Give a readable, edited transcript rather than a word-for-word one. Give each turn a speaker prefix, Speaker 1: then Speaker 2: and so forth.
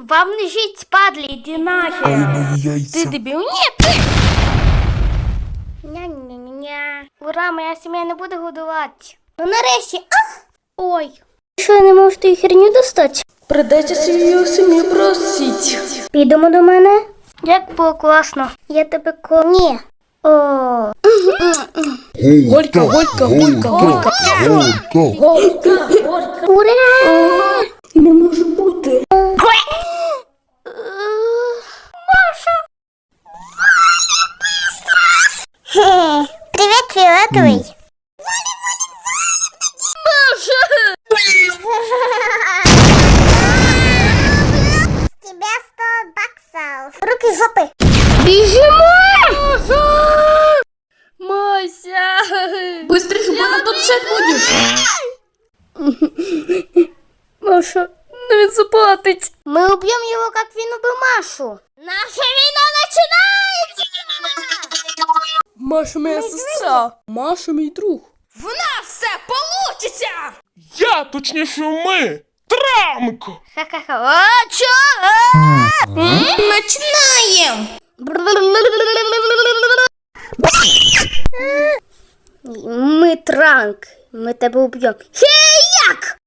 Speaker 1: Вам не жить, падли, иди нахер.
Speaker 2: Ай, мої яйця.
Speaker 1: Ты дебил? Нет, ты! Ня-ня-ня-ня. Ура, моя сім'я не буде годувати. Ну нарешті. Ой. Що, я не можу ту херню достати?
Speaker 3: Придеться свою сім'ю просить.
Speaker 1: Підемо до мене. Як було класно. Я тебе Ні. О.
Speaker 3: Голька, голька, голька, голька.
Speaker 2: Голька.
Speaker 1: Ура!
Speaker 3: Не може бути.
Speaker 1: Маша! Привет, фиолетовый. Маша! С тебя 100 баксов. Руки в жопы. Бежимо!
Speaker 3: Мася! Быстрее, щоб вона тут все будеш.
Speaker 1: Маша, ну він заплатить. Мы убьем его, как він убил Машу. Наша війна начинается!
Speaker 3: Маша моя сестра. Маша мій друг.
Speaker 4: В нас все получиться!
Speaker 2: Я, точніше, ми. Трамко.
Speaker 1: Ха-ха-ха. А, чё?
Speaker 4: Начинаем!
Speaker 1: Ми Транк. Ми тебе уб'ємо. Хей, як?